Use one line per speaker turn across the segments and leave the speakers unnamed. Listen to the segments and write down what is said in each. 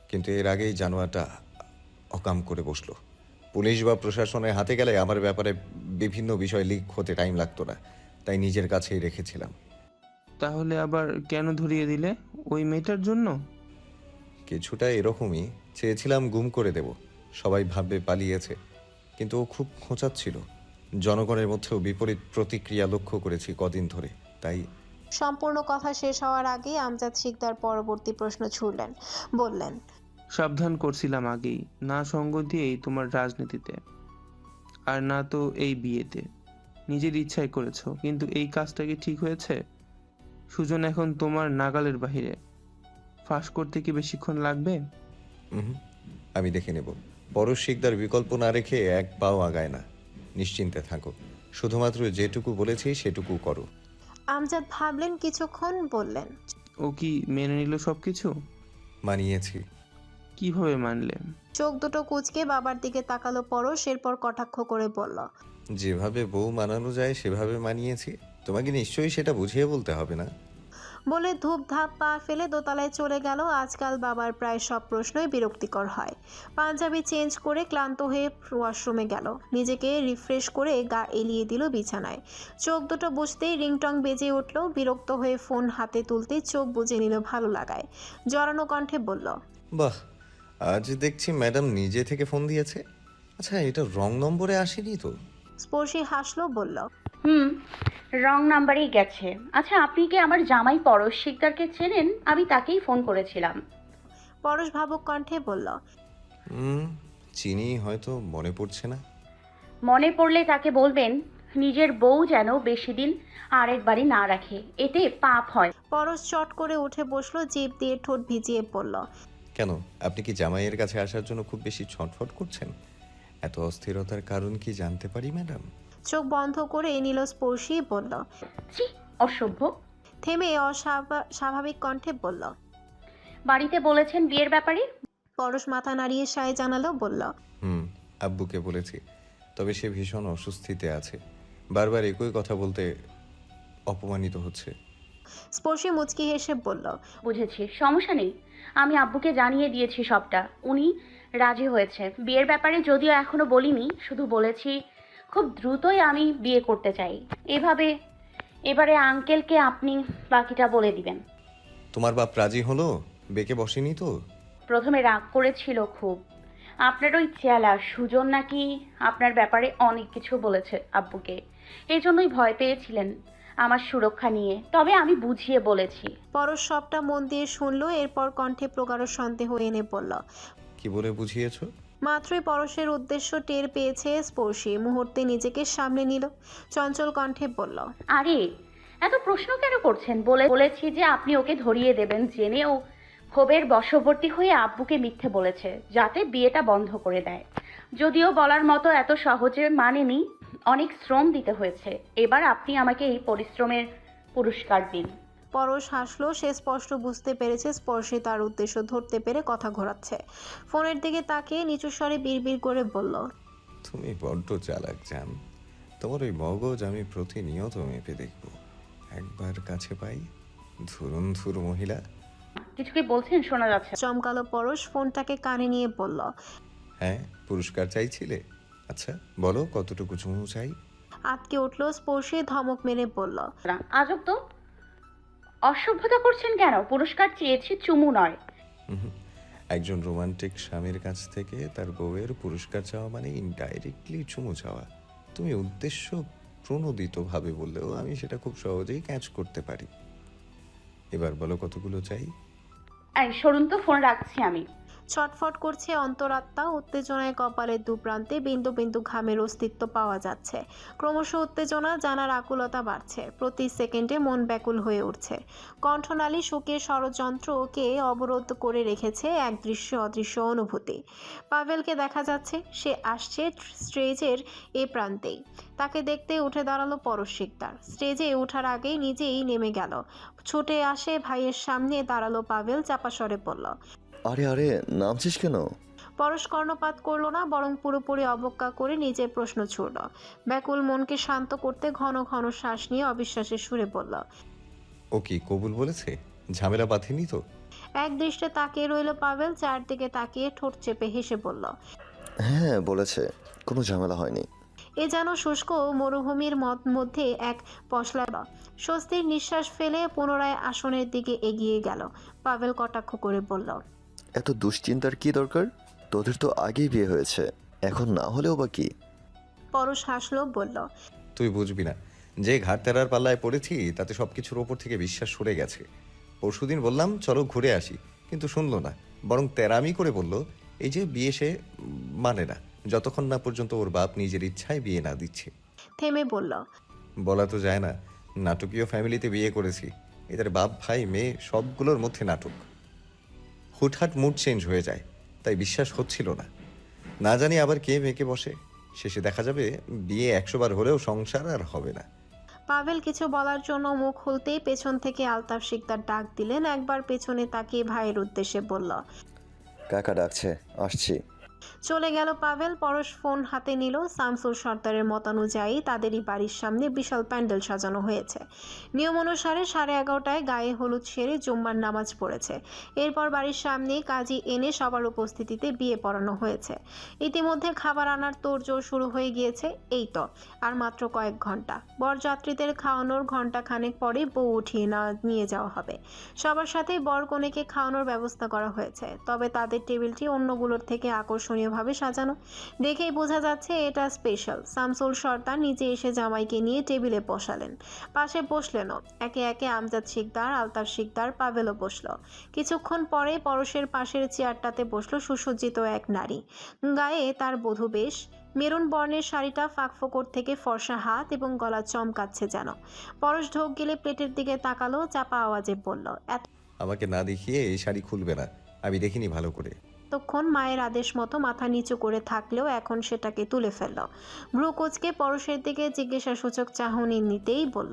কিন্তু এর আগেই জানোয়ারটা অকাম করে বসলো। পুলিশ বা প্রশাসনের হাতে গেলে আমার ব্যাপারে বিভিন্ন বিষয় লিক হতে টাইম লাগতো না, তাই নিজের কাছেই রেখেছিলাম।
তাহলে আবার কেন ধরিয়ে দিলে? ওই মেয়েটার জন্য?
কিছুটা এরকমই। চেয়েছিলাম গুম করে দেব, সবাই ভাববে পালিয়েছে, কিন্তু ও খুব খোঁচাচ্ছিল। জনগণের মধ্যেও বিপরীত প্রতিক্রিয়া লক্ষ্য করেছি কদিন ধরে, তাই।
সম্পূর্ণ কথা শেষ হওয়ার আগেই আমজাদ শিকদার পরবর্তী প্রশ্ন ছুড়লেন। বললেন,
সাবধান করছিলাম আগেই, না সঙ্গ দিয়েই তোমার রাজনীতিতে, আর না তো এই বিয়েতে। নিজের ইচ্ছাই করেছো, কিন্তু এই কাজটা কি ঠিক হয়েছে? সুজন এখন তোমার নাগালের বাহিরে। ফাঁস করতে কি বেশিক্ষণ লাগবে?
হুম, আমি দেখে নেব। পরশ শিকদার বিকল্প না রেখে এক পাও আগায় না। নিশ্চিন্তে থাকো, শুধুমাত্র যেটুকু বলেছি সেটুকু করো।
আমজাদ ভাবলেন কিছুক্ষণ, বললেন,
ও কি মেনে নিল সবকিছু?
মানিয়েছি।
কিভাবে মানলে?
চোখ দুটো কুঁচকে বাবার দিকে তাকালো পরশ, এরপর কটাক্ষ করে বলল,
যেভাবে বউ মানানো যায় সেভাবে মানিয়েছি। তোমাকে নিশ্চয়ই সেটা বুঝিয়ে বলতে হবে না।
বলে ধূপ ধাপ পা ফেলে দোতলায় চলে গেল। আজকাল বাবার প্রায় সব প্রশ্নই বিরক্তিকর হয়। পাঞ্জাবি চেঞ্জ করে ক্লান্ত হয়ে ওয়াশরুমে গেল, নিজেকে রিফ্রেশ করে গা এলিয়ে দিল বিছানায়। চোখ দুটো বুঝতেই রিংটং বেজে উঠল। বিরক্ত হয়ে ফোন হাতে তুলতেই চোখ বুজে নিল ভালো লাগায়। জড়ানো কণ্ঠে বলল,
বাহ, আজ দেখছি ম্যাডাম নিজে থেকে ফোন দিয়েছে। আচ্ছা, এটা রং নম্বরে আসেনি তো?
স্পর্শী হাসলো, বলল,
হুম, রং নাম্বারেই গেছে। আচ্ছা, আপনি কি আমার জামাই পরশ শিকদারকে চেনেন? আমি তাকেই ফোন করেছিলাম।
পরশ ভাবুক কণ্ঠে বলল,
হুম, চিনি, হয়তো মনে পড়ছে না।
মনে পড়লে তাকে বলবেন নিজের বউ যেন বেশি দিন আরেকবারই না রাখে, এতে পাপ হয়।
পরশ চট করে উঠে বসলো, জিভ দিয়ে ঠোঁট ভিজিয়ে পড়ল,
কেন, আপনি কি জামাইয়ের কাছে আসার জন্য খুব বেশি ছটফট করছেন? এত অস্থিরতার কারণ কি জানতে পারি ম্যাডাম?
চোখ বন্ধ করে নিল স্পর্শী, বলল,
ছি, অসভ্য।
থেমে স্বাভাবিক কণ্ঠে বলল,
বাড়িতে বলেছেন বিয়ের ব্যাপারে?
পরশ মাথা নাড়িয়ে সায় জানালো, বলল,
হুম, আব্বুকে বলেছি, তবে সে ভীষণ অস্বস্তিতে আছে। বারবার একই কথা বলতে অপমানিত হচ্ছে।
স্পর্শী মুচকি হেসে বলল,
বুঝেছি, সমস্যা নেই। আমি আব্বুকে জানিয়ে দিয়েছি সবটা, উনি রাজি হয়েছে। বিয়ের ব্যাপারে যদিও এখনো বলিনি, শুধু বলেছি খুব দ্রুতই আমি বিয়ে করতে চাই। এবারে আঙ্কেলকে আপনি বাকিটা বলে দিবেন।
তোমার বাপ রাজি হলো? বেঁকে বসেনি তো?
প্রথমে রাগ করেছিল খুব। আপনার ওই চেলা সুজন নাকি আপনার ব্যাপারে অনেক কিছু বলেছে আব্বুকে, এই জন্যই ভয় পেয়েছিলেন আমার সুরক্ষা নিয়ে। তবে আমি বুঝিয়ে বলেছি।
পরশ সবটা মন দিয়ে শুনলো, এরপর কণ্ঠে প্রগাঢ় সন্দেহ এনে বলল।
কি বলে বুঝিয়েছো?
মাত্রই পরশের উদ্দেশ্য টের পেয়েছে স্পর্শী, মুহূর্তে নিজেকে সামলে নিল, চঞ্চল কণ্ঠে বলল,
আরে, এত প্রশ্ন কেন করছেন? বলেছি যে আপনি ওকে ধরিয়ে দেবেন, জেনে ও ক্ষোভের বশবর্তী হয়ে আব্বুকে মিথ্যে বলেছে যাতে বিয়েটা বন্ধ করে দেয়। যদিও বলার মতো এত সহজে মানেনি, অনেক শ্রম দিতে হয়েছে। এবার আপনি আমাকে এই পরিশ্রমের পুরস্কার দিন।
পরশ হাসলো, সে স্পষ্ট বুঝতে পেরেছে স্পর্শী তার উদ্দেশ্য ধরতে পেরে কথা ঘোরাচ্ছে। ফোনের দিকে তাকিয়ে নিচু স্বরে বিড়বিড় করে বলল,
তুমি বড্ড চালাক জান। তোমার ওই মগজ আমি প্রতিনিয়ত মেপে দেখব। একবার কাছে পাই, ধুরন্ধুর মহিলা।
কিছু কি বলছেন? শোনা যাচ্ছে না।
চমকালো পরশ, ফোনটাকে কানে নিয়ে বলল,
হ্যাঁ, পুরস্কার চাইছিলে? আচ্ছা বলো, কতটুকু চুমু চাই?
আটকে উঠল স্পর্শী, ধমক মেরে বলল,
আজব তো, অসভ্যতা করছেন কেন? পুরস্কার চেয়েছি, চুমু নয়।
হুম, একজন রোমান্টিক স্বামীর কাছ থেকে তার বউয়ের পুরস্কার চাওয়া মানে ইনডাইরেক্টলি চুমু চাওয়া। তুমি উদ্দেশ্য প্রণোদিতভাবে বললেও আমি সেটা খুব সহজেই ক্যাচ করতে পারি। এবার বলো কতগুলো চাই?
এই সরুন তো, ফোন রাখছি আমি।
ছটফট করছে অন্তরাত্মা, উত্তেজনায় কপালের দুপ্রান্তে বিন্দু বিন্দু ঘামের অস্তিত্ব পাওয়া যাচ্ছে। ক্রমশ উত্তেজনা, জানার আকুলতা বাড়ছে, প্রতি সেকেন্ডে মন ব্যাকুল হয়ে উঠছে। কণ্ঠনালী শোকের ষড়যন্ত্রকে অবরোধ করে রেখেছে এক দৃশ্য অদৃশ্য অনুভূতি। পাভেলকে দেখা যাচ্ছে, সে আসছে স্টেজের এ প্রান্তেই। তাকে দেখতে উঠে দাঁড়ালো পরশ শিকদার। স্টেজে ওঠার আগেই নিজেই নেমে গেল, ছুটে আসে ভাইয়ের সামনে দাঁড়ালো পাভেল, চাপা স্বরে বলল,
আরে আরে, নামছিস কেন?
পরশ কর্ণপাত করলো না, বরং পুরোপুরি অবজ্ঞা করে নিজের প্রশ্ন ছুড়ল। ব্যাকুল মনকে শান্ত করতে ঘন ঘন শ্বাস নিয়ে অবিশ্বাসের সুরে বলল,
ও কি কবুল বলেছে? ঝামেলা বাঁধেনি তো?
এক দৃষ্টে তাকিয়ে রইল পাভেল, চারদিকে তাকিয়ে ঠোঁট চেপে হেসে বলল,
হ্যাঁ বলেছে, কোনো ঝামেলা হয়নি।
এ যেন শুষ্ক মরুভূমির মধ্যে এক পশলা স্বস্তির নিঃশ্বাস ফেলে পুনরায় আসনের দিকে এগিয়ে গেল। পাভেল কটাক্ষ করে বলল,
এত দুশ্চিন্তার কি দরকার? তোদের তো আগেই বিয়ে হয়েছে, এখন না হলেও বা কি?
পরশ হাসলো, বলল,
তুই বুঝবি না, যে ঘাট তেরার পাল্লায় পড়েছি তাতে সব কিছুর ওপর থেকে বিশ্বাস সরে গেছে। পরশুদিন বললাম চলো ঘুরে আসি, কিন্তু শুনলো না, বরং তেরামি করে বলল এই যে বিয়ে সে মানে না, যতক্ষণ না পর্যন্ত ওর বাপ নিজের ইচ্ছায় বিয়ে না দিচ্ছে।
থেমে বলল,
বলা তো যায় না, নাটকীয় ফ্যামিলিতে বিয়ে করেছি, এদের বাপ ভাই মেয়ে সবগুলোর মধ্যে নাটক। হুটহাট মুড চেঞ্জ হয়ে যায়, তাই বিশ্বাস হচ্ছিল না। না জানি আবার কে মেয়েকে বসে, শেষে দেখা যাবে বিয়ে 100 বার হলেও সংসার আর হবে না।
পাভেল কিছু বলার জন্য মুখ খুলতেই পেছন থেকে আলতাফ শিকদার ডাক দিলেন। একবার পেছনে তাকিয়ে ভাইয়ের উদ্দেশ্যে বলল,
কাকা ডাকছে, আসছি।
চলে গেল পাভেল। পরশ ফোন হাতে নিল। শামসুল সর্দারের মতানুযায়ী তাদেরই বাড়ির সামনে বিশাল প্যান্ডেল সাজানো হয়েছে। নিয়ম অনুসারে 11:30টায় গায়ে হলুদ সেরে জুম্মার নামাজ পড়েছে। এরপর বাড়ির সামনে কাজী এনে সবার উপস্থিতিতে বিয়ে পড়ানো হয়েছে। ইতিমধ্যে খাবার আনার তোড়জোড় শুরু হয়ে গিয়েছে। এই তো আর মাত্র কয়েক ঘন্টা। বরযাত্রীদের খাওয়ানোর ঘন্টা খানেক পরে বউ উঠিয়ে নিয়ে যাওয়া হবে। সবার সাথে বর কনেকে খাওয়ানোর ব্যবস্থা করা হয়েছে, তবে তাদের টেবিলটি অন্যগুলোর থেকে আকর্ষণীয়ভাবে সাজানো। দেখেই বোঝা যাচ্ছে এটা স্পেশাল। শামসুল সর্দার নিজে এসে জামাইকে নিয়ে টেবিলে বসালেন, পাশে বসলেনও। একে একে আমজাদ শিকদার, আলতাফ শিকদার, পাভেলও বসলো। কিছুক্ষণ পরে পরশের পাশের চেয়ারটাতে বসলো সুসজ্জিত এক নারী। গায়ে তার বধূ বেশ, মেরুন বর্ণের শাড়িটা ফাঁকফোকর থেকে ফর্সা হাত এবং গলা চমকাচ্ছে যেন। পরশ ঢোক গেলে প্লেটের দিকে তাকালো, চাপা আওয়াজে বলল,
আমাকে না দেখিয়ে এই শাড়ি খুলবে না, আমি দেখিনি ভালো করে।
এতক্ষণ মায়ের আদেশ মতো মাথা নিচু করে থাকলেও এখন সেটাকে তুলে ফেলল। ভ্রু কুঁচকে পরশের দিকে জিজ্ঞাসাসূচক চাহনি নিতেই বলল,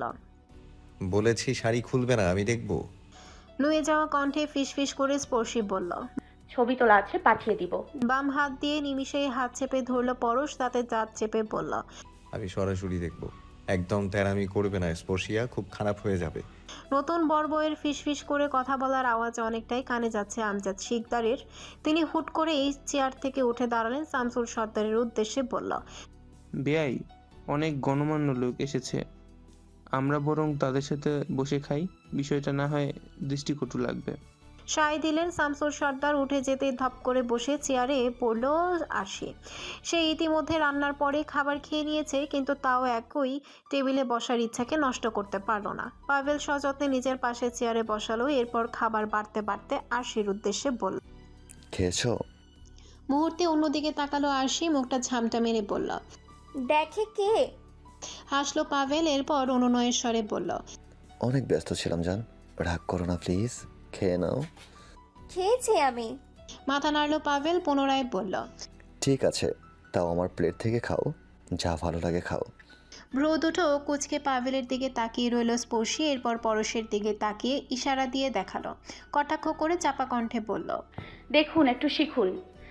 বলেছি শাড়ি খুলবে না, আমি দেখবো।
নুয়ে যাওয়া কণ্ঠে ফিসফিস করে স্পর্শী বলল।
ছবি তোলা আছে, পাঠিয়ে দিব।
বাম হাত দিয়ে নিমিষেই হাত চেপে ধরল পরশ, তাতে দাঁত চেপে বলল,
আমি সরাসরি দেখবো, একদম তেরামি করবে না স্পর্শিয়া, খুব খারাপ হয়ে যাবে।
নতুন বর বউয়ের ফিসফিস করে কথা বলার আওয়াজ অনেকটাই কানে যাচ্ছে আমজাদ শিকদারের। তিনি হুট করে এই চেয়ার থেকে উঠে দাঁড়ালেন, শামসুল সর্দারের উদ্দেশ্যে বলল,
বেয়াই, অনেক গণমান্য লোক এসেছে, আমরা বরং তাদের সাথে বসে খাই, বিষয়টা না হয় দৃষ্টিকটু লাগবে।
সায় দিলেন। শামসুল সর্দার উঠে যেতে ধপ করে বসে চেয়ারে পড়ল আরশি। সে ইতিমধ্যে রান্নার পরে খাবার খেয়ে নিয়েছে, কিন্তু তাও একই টেবিলে বসার ইচ্ছাকে নষ্ট করতে পারল না। পাভেল সযত্নে নিজের পাশে চেয়ারে বসালো, এরপর খাবার বাড়তে বাড়তে আরশির উদ্দেশ্যে বলল।
খেয়েছো?
মুহূর্তে অন্যদিকে তাকালো আরশি, মুখটা ঝামটা মেরে বলল।
দেখে কে?
হাসলো পাভেল, এরপর অনুনয়ের স্বরে বলল,
অনেক ব্যস্ত ছিলাম জান, রাগ করো না প্লিজ, খেয়ে নাও।
খেয়েছি আমি।
মাথা নাড়লো পাভেল, পুনরায় বলল,
ঠিক আছে, তাও আমার প্লেট থেকে খাও, যা ভালো লাগে খাও।
ভ্রু দুটো কুচকে পাভেলের দিকে তাকিয়ে রইল স্পর্শী, এরপর পরশের দিকে তাকিয়ে ইশারা দিয়ে দেখালো। কটাক্ষ করে চাপা কণ্ঠে বলল,
দেখুন, একটু শিখুন।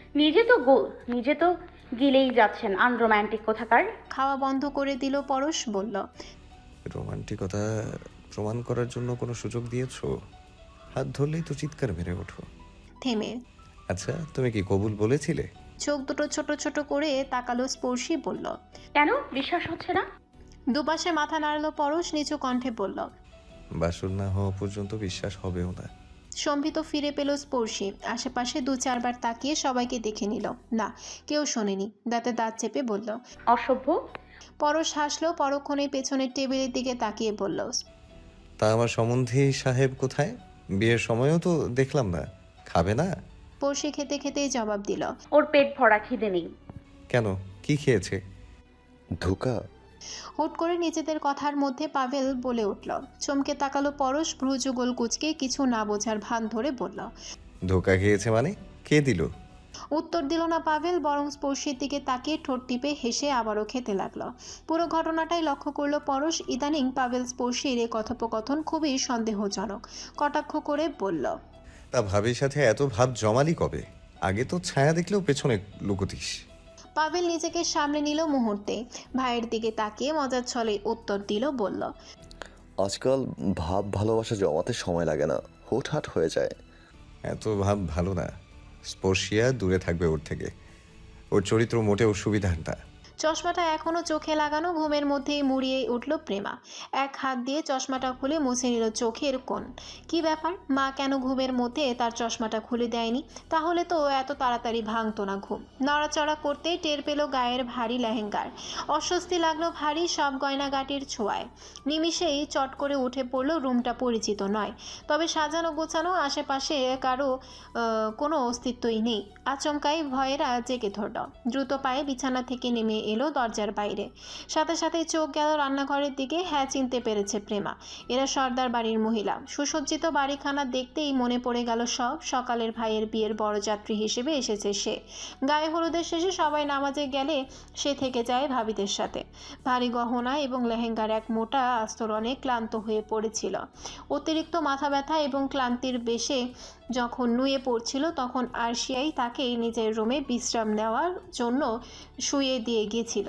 নিজে তো গিলেই যাচ্ছেন, আনরোম্যান্টিক কোথাকার।
খাওয়া বন্ধ করে দিল পরশ, বলল,
রোমান্টিকতা প্রমাণ করার জন্য কোনো সুযোগ দিয়েছো? হাত ধরলেই তো চিৎকার মেরে ওঠো।
থেমে
আচ্ছা, তুমি কি কবুল বলেছিলে?
চোখ দুটো ছোট ছোট করে তাকালো স্পর্শী, বলল,
কেন বিশ্বাস হচ্ছে না?
দুপাশে মাথা নাড়লো পরশ, নিচু কণ্ঠে বলল,
বাসর না হওয়া পর্যন্ত বিশ্বাস হবেও না।
সম্ভিত ফিরে পেল স্পর্শী। আশেপাশে 2-4 বার তাকিয়ে সবাইকে দেখে নিল, না কেউ শোনেনি। দাঁতে দাঁত চেপে বলল,
অসভ্য।
পরশ হাসলো, পরক্ষণে পেছনের টেবিলের দিকে তাকিয়ে বলল,
তা আমার সম্বন্ধী সাহেব কোথায়? বিয়ের সময়ও তো দেখলাম না, খাবে না?
স্পর্শী খেতে খেতেই জবাব দিল,
ওর পেট ভরা, খিদে নেই।
কেন, কি খেয়েছে?
ধোকা?
হুট করে নিজেদের কথার মধ্যে পাভেল বলে উঠল। চমকে তাকালো পরশ, ভ্রুযুগল কুচকে কিছু না বোঝার ভান ধরে বলল।
ধোকা খেয়েছে মানে? কে দিল?
উত্তর দিল না পাভেল, বরং স্পর্শীর দিকে তাকিয়ে ঠোঁট টিপে হেসে আবারও খেতে লাগলো। পুরো ঘটনাটাই লক্ষ্য করলো পরশ। ইদানিং পাভেল স্পর্শীর এই কথোপকথন খুবই সন্দেহজনক। কটাক্ষ করে বলল,
তা ভাবির সাথে এত ভাব জমালি কবে? আগে তো ছায়া দেখলেও পেছনে লুকোতিস।
পাভেল নিজেকে সামনে নিল মুহূর্তে, ভাইয়ের দিকে তাকিয়ে মজার ছলে উত্তর দিল, বলল,
আজকাল ভাব ভালোবাসা জমাতে সময় লাগে না, হুটহাট হয়ে যায়।
এত ভাব ভালো না। স্পর্শিয়া দূরে থাকবে ওর থেকে। ওর চরিত্র মোটেও সুবিধার না।
চশমাটা এখনো চোখে লাগানো, ঘুমের মধ্যেই মুড়িয়ে উঠল প্রেমা। এক হাত দিয়ে চশমাটা খুলে মুছে নিল চোখের কোণ। কি ব্যাপার, মা কেন ঘুমের মধ্যে তার চশমাটা খুলে দেয়নি? তাহলে তো এত তাড়াতাড়ি ভাঙতো না ঘুম। নড়াচড়া করতেই টের পেল গায়ের ভারী লেহেঙ্গার। অস্বস্তি লাগলো ভারী সব গয়নাগাটির ছোঁয়ায়। নিমিষেই চট করে উঠে পড়ল। রুমটা পরিচিত নয়, তবে সাজানো গোছানো, আশেপাশে কারো কোনো অস্তিত্বই নেই। আচমকাই ভয়েরা জেগে ধরল। দ্রুত পায়ে বিছানা থেকে নেমে এলো দরজার বাইরে। সাথে সাথে চোখ গেল রান্নাঘরের দিকে। হ্যাঁ, চিনতে পেরেছে প্রেমা। এরা সর্দার বাড়ির মহিলা। সুসজ্জিত বাড়িখানা দেখতেই মনে পড়ে গেল সব। সকালের ভাইয়ের বিয়ের বরযাত্রী হিসেবে এসেছে সে। গায়ে হলুদের শেষে সবাই নামাজে গেলে সে থেকে যায় ভাবিদের সাথে। ভারী গহনা এবং লেহেঙ্গার এক মোটা আস্তরণে ক্লান্ত হয়ে পড়েছিল। অতিরিক্ত মাথা ব্যথা এবং ক্লান্তির বেশে যখন নুয়ে পড়ছিল, তখন আরশিয়াই তাকে নিজের রুমে বিশ্রাম নেওয়ার জন্য শুইয়ে দিয়ে গিয়েছিল।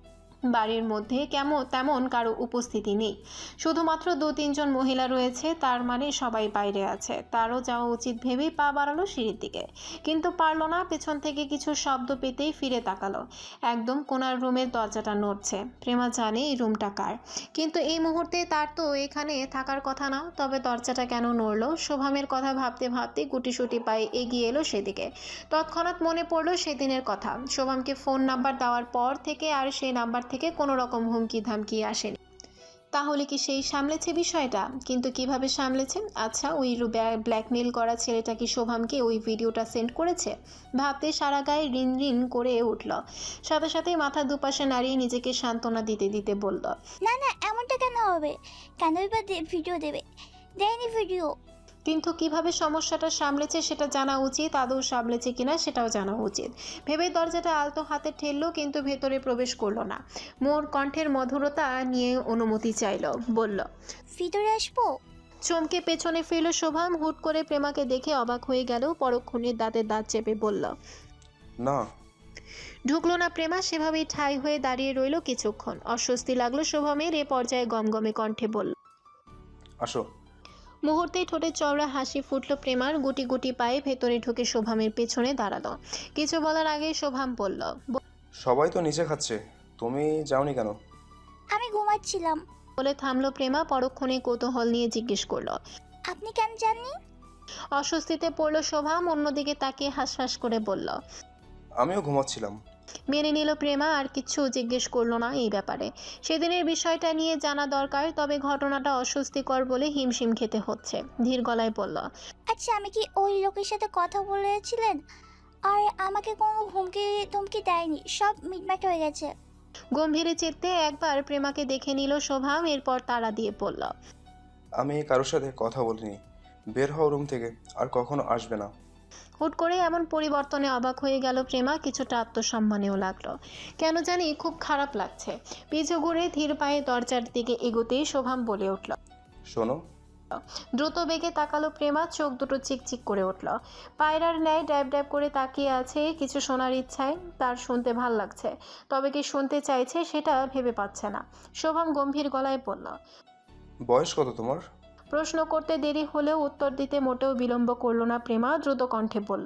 বাড়ির মধ্যে তেমন কারো উপস্থিতি নেই। শুধুমাত্র 2-3 জন মহিলা রয়েছে, তার মানে সবাই বাইরে আছে। তারও যাওয়া উচিত ভেবেই পা বাড়ালো সিঁড়ির দিকে, কিন্তু পারল না। পেছন থেকে কিছু শব্দ পেতেই ফিরে তাকালো। একদম কোনার রুমের দরজাটা নড়ছে। প্রেমা জানে এই রুমটা কার, কিন্তু এই মুহূর্তে তার তো এখানে থাকার কথা না। তবে দরজাটা কেন নড়ল? শোভামের কথা ভাবতে ভাবতে গুটিসুটি পায়ে এগিয়ে এলো সেদিকে। তৎক্ষণাৎ মনে পড়লো সেদিনের কথা। শোভামকে ফোন নাম্বার দেওয়ার পর থেকে আর সেই নাম্বার থেকে কোনো রকম হুমকি ধামকি আসেনি। তাহলে কি সেই সামলেছে বিষয়টা? কিন্তু কিভাবে সামলেছে? আচ্ছা, ওই ব্ল্যাকমেল করা ছেলেটা কি শোভামকে ওই ভিডিওটা সেন্ড করেছে? ভাবতে সারা গায়ে রিন রিন করে উঠল। সাথে সাথেই মাথা দুপাশে নাড়িয়ে নিজেকে সান্ত্বনা দিতে দিতে বলল,
না না, এমনটা কেন হবে? কেনই বা ভিডিও দেবে? দেয়নি ভিডিও।
কিন্তু কিভাবে সমস্যাটা সামলেছে সেটা জানা উচিত। আদৌ সামলেছে কিনা সেটাও জানা উচিত। ভেবে দরজাটা আলতো হাতে ঠেললো, কিন্তু ভেতরে প্রবেশ করলো না। মোর কণ্ঠের মধুরতা নিয়ে অনুমতি চাইল, বলল,
ভিতরে আসবো?
চমকে পেছনে ফিরল শোভাম। হুট করে প্রেমাকে দেখে অবাক হয়ে গেল। পরক্ষণে দাঁতে দাঁত চেপে বলল,
না।
ঢুকলো না প্রেমা। সেভাবেই ঠাই হয়ে দাঁড়িয়ে রইল কিছুক্ষণ। অস্বস্তি লাগলো শোভামের। এ পর্যায়ে গমগমে কণ্ঠে বলল,
আসো।
মুহূর্তেই ঠোঁটে চওড়া হাসি ফুটল প্রেমার। গুটি গুটি পায়ে ভেতরে ঢুকে শোভামের পেছনে দাঁড়ালো। কিছু বলার আগেই শোভাম বলল,
সবাই তো নিচে খাচ্ছে, তুমি যাওনি কেন?
আমি ঘুমাচ্ছিলাম।
বলে থামলো প্রেমা। পরক্ষণে কৌতূহল নিয়ে জিজ্ঞেস করলো,
আপনি কেন জাননি?
অস্বস্তিতে পড়ল শোভাম। অন্যদিকে তাকিয়ে হাসফাস করে বলল,
আমিও ঘুমাচ্ছিলাম।
মেনে নিল প্রেমা। আর কিচ্ছু জিজ্ঞেস করলো না এই ব্যাপারে। সেদিনের বিষয়টা নিয়ে জানা দরকার, তবে ঘটনাটা অস্বস্তিকর বলে হিমশিম খেতে হচ্ছে। ধীর গলায় বলল,
আচ্ছা, আমি কি ওই লোকের সাথে কথা বলেছিলেন? আর আমাকে কোনো ধমকি দেয়নি, সব মিটমাট হয়ে গেছে।
গম্ভীরে চিত্তে একবার প্রেমাকে দেখে নিল শোভাম। এরপর তাড়া দিয়ে পড়ল,
আমি কারোর সাথে কথা বলিনি। বের হও রুম থেকে, আর কখনো আসবে না।
হুট করে এমন পরিবর্তনে অবাক হয়ে গেল প্রেমা। কিছুটা আত্মসম্মানেও লাগলো। কেন জানি খুব খারাপ লাগছে। পিছু ঘুরে ধীর পায়ে দরজার দিকে এগোতেই শোভাম বলে উঠল,
শোনো।
দ্রুত বেগে তাকালো প্রেমা। চোখ দুটো চিকচিক করে উঠল। পায়রার ন্যায় ড্যাব ড্যাব করে তাকিয়ে আছে কিছু শোনার ইচ্ছায়। তার শুনতে ভাল লাগছে, তবে কি শুনতে চাইছে সেটা ভেবে পাচ্ছে না। শোভাম গম্ভীর গলায় বলল,
বয়স কত তোমার?
প্রশ্ন করতে দেরি হলেও উত্তর দিতে মোটেও বিলম্ব করলো না প্রেমা। দ্রুত কণ্ঠে বলল,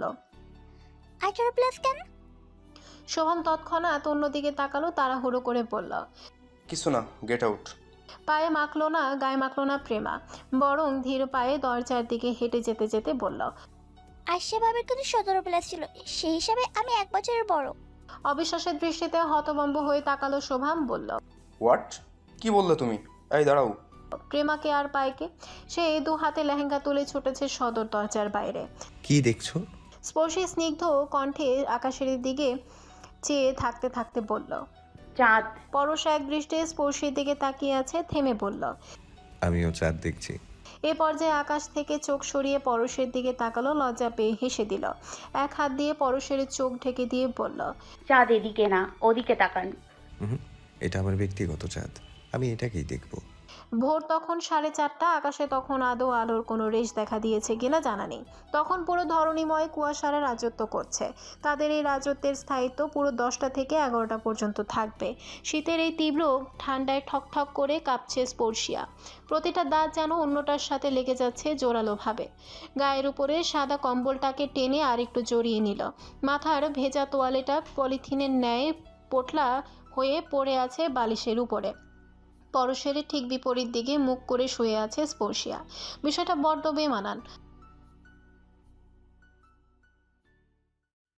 18+ কেন?
শোভাম তৎক্ষণাৎ অন্যদিকে তাকালো। তাড়াহুড়ো করে বলল,
কিছু না, গেট আউট।
গায়ে মাখলো না প্রেমা, বরং ধীর পায়ে দরজার দিকে হেঁটে যেতে যেতে বলল,
আর সেভাবে কিন্তু 17+ ছিল, সেই হিসাবে আমি 1 বছরের বড়।
অবিশ্বাসের দৃষ্টিতে হতভম্ব হয়ে তাকালো শোভাম। বলল,
হোয়াট? কি বললে তুমি? এই দাঁড়াও।
প্রেমাকে আর পায়কে। সে 2 হাতে লেহেঙ্গা তুলে ছুটেছে সদর দরজার বাইরে।
কি দেখছো?
স্পর্শী স্নিগ্ধ কণ্ঠে আকাশের দিকে চেয়ে থাকতে থাকতে বলল,
চাঁদ।
পরশ এক দৃষ্টে স্পর্শীর দিকে তাকিয়ে আছে। থেমে বলল,
আমিও চাঁদ দেখছি।
এ পর্যায়ে আকাশ থেকে চোখ সরিয়ে পরশের দিকে তাকালো। লজ্জা পেয়ে হেসে দিল। এক হাত দিয়ে পরশের চোখ ঢেকে দিয়ে বলল,
চাঁদ এদিকে না, ওদিকে তাকান।
এটা আমার ব্যক্তিগত চাঁদ, আমি এটাকেই দেখব।
ভোর তখন 4:30, আকাশে তখন আদৌ আলোর কোনো রেশ দেখা দিয়েছে কিনা জানা নেই। তখন পুরো ধরণীময় কুয়াশারা রাজত্ব করছে। তাদের এই রাজত্বের স্থায়িত্ব পুরো 10টা থেকে 11টা পর্যন্ত থাকবে। শীতের এই তীব্র ঠান্ডায় ঠকঠক করে কাঁপছে স্পর্শিয়া। প্রতিটা দাঁত যেন অন্যটার সাথে লেগে যাচ্ছে জোরালোভাবে। গায়ের উপরে সাদা কম্বলটাকে টেনে আর একটু জড়িয়ে নিল। মাথার ভেজা তোয়ালেটা পলিথিনের ন্যায় পোটলা হয়ে পড়ে আছে বালিশের উপরে। পরশের ঠিক বিপরীত দিকে মুখ করে শুয়ে আছে স্পর্শিয়া। বিষয়টা বড্ড বেমানান।